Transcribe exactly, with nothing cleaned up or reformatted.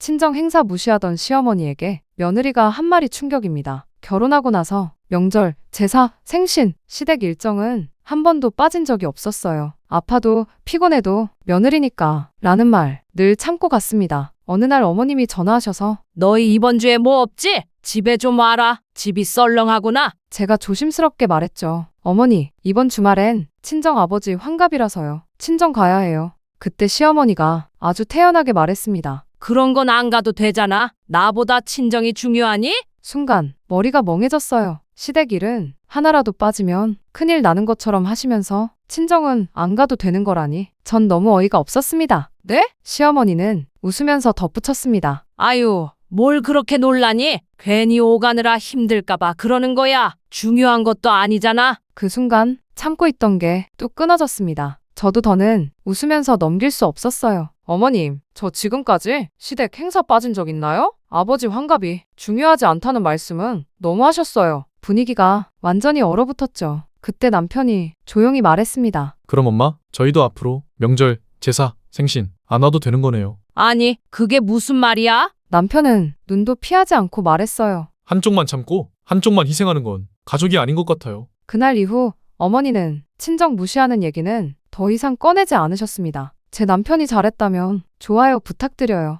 친정 행사 무시하던 시어머니에게 며느리가 한 말이 충격입니다. 결혼하고 나서 명절, 제사, 생신, 시댁 일정은 한 번도 빠진 적이 없었어요. 아파도 피곤해도 며느리니까 라는 말 늘 참고 갔습니다. 어느 날 어머님이 전화하셔서 너희 이번 주에 뭐 없지? 집에 좀 와라. 집이 썰렁하구나. 제가 조심스럽게 말했죠. 어머니, 이번 주말엔 친정 아버지 환갑이라서요. 친정 가야 해요. 그때 시어머니가 아주 태연하게 말했습니다. 그런 건 안 가도 되잖아. 나보다 친정이 중요하니? 순간 머리가 멍해졌어요. 시댁 일은 하나라도 빠지면 큰일 나는 것처럼 하시면서 친정은 안 가도 되는 거라니 전 너무 어이가 없었습니다. 네? 시어머니는 웃으면서 덧붙였습니다. 아유, 뭘 그렇게 놀라니? 괜히 오가느라 힘들까봐 그러는 거야. 중요한 것도 아니잖아. 그 순간 참고 있던 게 뚝 끊어졌습니다. 저도 더는 웃으면서 넘길 수 없었어요. 어머님, 저 지금까지 시댁 행사 빠진 적 있나요? 아버지 환갑이 중요하지 않다는 말씀은 너무 하셨어요. 분위기가 완전히 얼어붙었죠. 그때 남편이 조용히 말했습니다. 그럼 엄마, 저희도 앞으로 명절, 제사, 생신 안 와도 되는 거네요. 아니, 그게 무슨 말이야? 남편은 눈도 피하지 않고 말했어요. 한쪽만 참고 한쪽만 희생하는 건 가족이 아닌 것 같아요. 그날 이후 어머니는 친정 무시하는 얘기는 더 이상 꺼내지 않으셨습니다. 제 남편이 잘했다면 좋아요 부탁드려요.